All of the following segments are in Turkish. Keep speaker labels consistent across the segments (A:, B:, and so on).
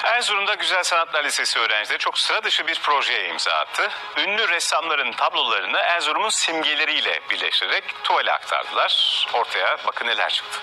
A: Erzurum'da Güzel Sanatlar Lisesi öğrencileri çok sıra dışı bir projeye imza attı. Ünlü ressamların tablolarını Erzurum'un simgeleriyle birleştirerek tuvale aktardılar. Ortaya bakın neler çıktı.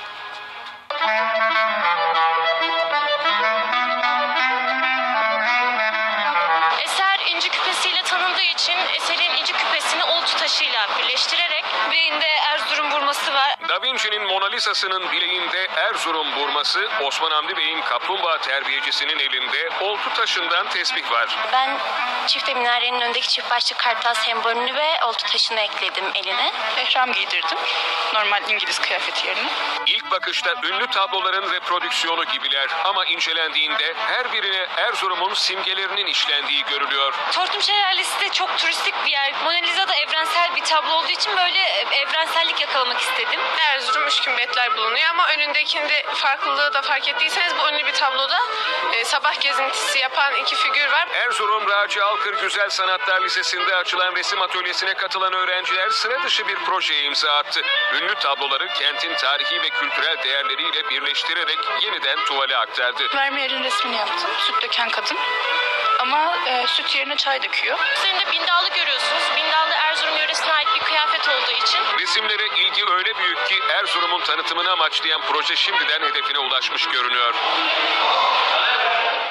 B: Eser inci küpesiyle tanındığı için eserin inci küpesini oltu taşıyla birleştirerek bileğinde Erzurum burması var.
C: Da Vinci'nin Mona Lisa'sının bileğinde Erzurum burması, Osman Hamdi Bey'in kaplumbağa terbiyecisinin elinde oltu taşından tesbih var.
B: Ben çifte minarenin önündeki çift başlı kartal sembolünü ve oltu taşını ekledim eline.
D: Ehram giydirdim. Normal İngiliz kıyafeti yerine.
C: İlk bakışta ünlü tabloların reprodüksiyonu gibiler ama incelendiğinde her birine Erzurum'un simgelerinin işlendiği görülüyor.
B: Tortum Şelalesi de çok turistik bir yer. Mona Lisa da evrensel bir tablo olduğu için böyle evrensellik yakalamak istedim.
E: Erzurum üç kümbetler bulunuyor ama önündekinde farklılığı da fark ettiyseniz bu ünlü bir tabloda sabah gezintisi yapan iki figür var.
C: Erzurum Raci Alkır Güzel Sanatlar Lisesi'nde açılan resim atölyesine katılan öğrenciler sıra dışı bir projeye imza attı. Ünlü tabloları kentin tarihi ve kültürel değerleriyle birleştirerek yeniden tuvale aktardı.
D: Vermeer'in resmini yaptım. Süt döken kadın. Ama süt yerine çay döküyor.
B: Üzerinde bindallı görüyorsunuz. Bindallı Erzurum yöresine ait bir kıyafet olduğu için.
C: Resimlere ilgi öyle büyük ki Erzurum'un tanıtımını amaçlayan proje şimdiden hedefine ulaşmış görünüyor.